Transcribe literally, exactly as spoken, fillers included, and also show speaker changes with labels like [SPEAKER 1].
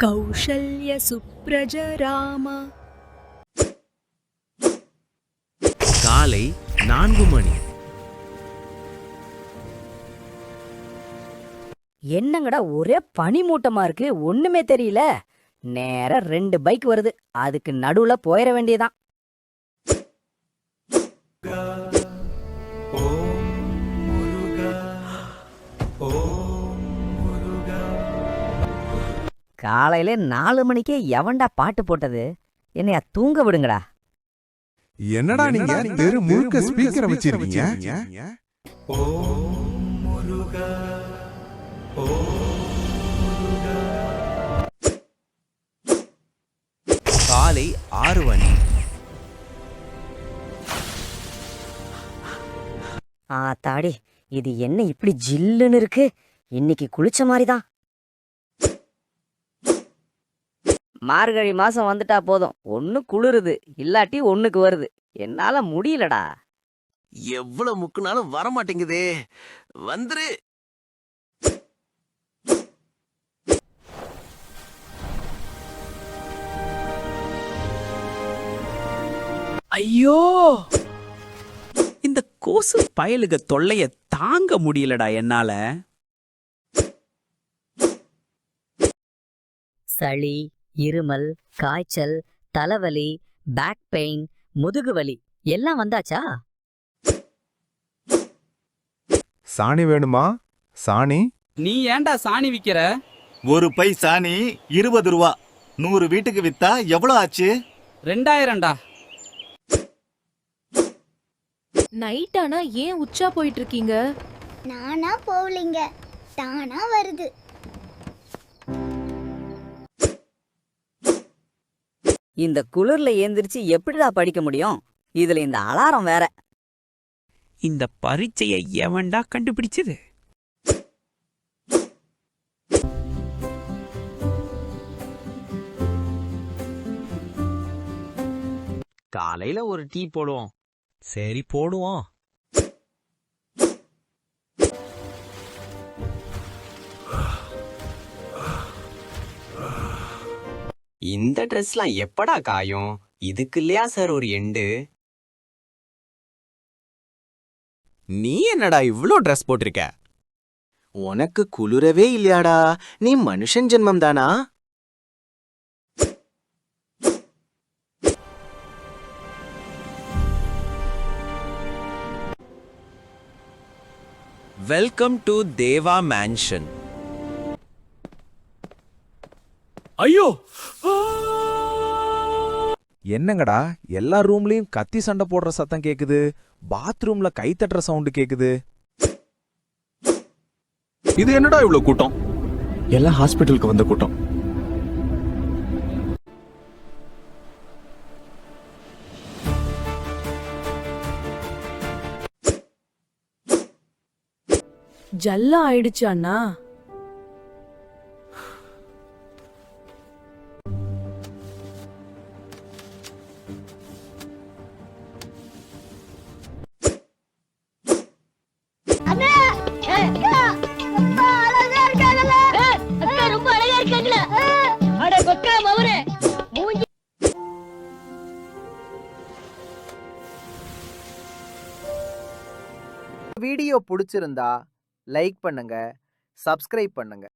[SPEAKER 1] கௌசல்ய சுப்ரஜராம.
[SPEAKER 2] காலை நான்கு மணி.
[SPEAKER 3] என்னங்கடா ஒரே பனிமூட்டமா இருக்கு, ஒண்ணுமே தெரியல. நேரா ரெண்டு பைக் வருது, அதுக்கு நடுவுல போயிட வேண்டியதான். காலையில நாலு மணிக்கே எவன்டா பாட்டு போட்டது? என்னையா தூங்க விடுங்கடா.
[SPEAKER 4] என்னடா நீங்க தெரு முழுக்க ஸ்பீக்கரை வச்சிருக்கீங்க?
[SPEAKER 2] காலை ஆறு மணி.
[SPEAKER 3] ஆ தாடி, இது என்ன இப்படி ஜில்லுன்னு இருக்கு? இன்னைக்கு குளிச்ச மாதிரிதான். மார்கழி மாசம் வந்துட்டா போதும், ஒண்ணு குளிருது இல்லாட்டி ஒண்ணுக்கு வருது. என்னால முடியலடா.
[SPEAKER 2] எவ்வளவு முக்குனாலும் வரமாட்டேங்குதே. வந்துரு.
[SPEAKER 5] ஐயோ, இந்த கொசு பயலுக தொல்லைய தாங்க முடியலடா என்னால.
[SPEAKER 3] சளி, இருமல், காய்ச்சல், தலைவலி, பேக் பெயின், முதுகு வலி எல்லாம் வந்தாச்சா?
[SPEAKER 4] சாணி வேணுமா? சாணி
[SPEAKER 5] நீ ஏன்டா சாணி விக்கிற?
[SPEAKER 6] ஒரு பை சாணி இருபது ரூபா. நூறு வீட்டுக்கு வித்தா எவ்வளவு ஆச்சு?
[SPEAKER 5] ரெண்டாயிரம்டா.
[SPEAKER 1] நைட் ஆனா ஏன் உச்சா போயிட்டு இருக்கீங்க?
[SPEAKER 7] நானா போகலிங்க, தானா வருது.
[SPEAKER 3] இந்த குளிர்ல ஏந்திரிச்சு எப்படிடா படிக்க முடியும்? இதுல இந்த அலாரம் வேற.
[SPEAKER 5] இந்த பரீட்சையை எவன்டா கண்டுபிடிச்சது?
[SPEAKER 2] காலையில ஒரு டீ போடுவோம். சரி போடுவோம்.
[SPEAKER 8] இந்த ட்ரெஸ்லாம் எப்படா காயும்? இதுக்கு இல்லையா சார் ஒரு எண்டு?
[SPEAKER 2] நீ என்னடா இவ்ளோ ட்ரெஸ் போட்டிருக்க?
[SPEAKER 8] உனக்கு குளிரவே இல்லையாடா? நீ மனுஷன் ஜென்மம் தானா?
[SPEAKER 2] Welcome to Deva mansion.
[SPEAKER 5] ஐயோ,
[SPEAKER 4] என்னங்கடா எல்லா ரூம்லயும் கத்தி சண்டை போடுற சத்தம் கேக்குது, பாத்ரூம்ல கை தட்டுற சவுண்ட் கேக்குது.
[SPEAKER 6] இது என்னடா இவ்வளவு கூட்டம்? எல்லாம் ஹாஸ்பிட்டலுக்கு வந்த கூட்டம்.
[SPEAKER 1] ஜல்லா ஆயிடுச்சு அண்ணா.
[SPEAKER 9] வீடியோ பிடிச்சிருந்தா லைக் பண்ணுங்க, சப்ஸ்கிரைப் பண்ணுங்க.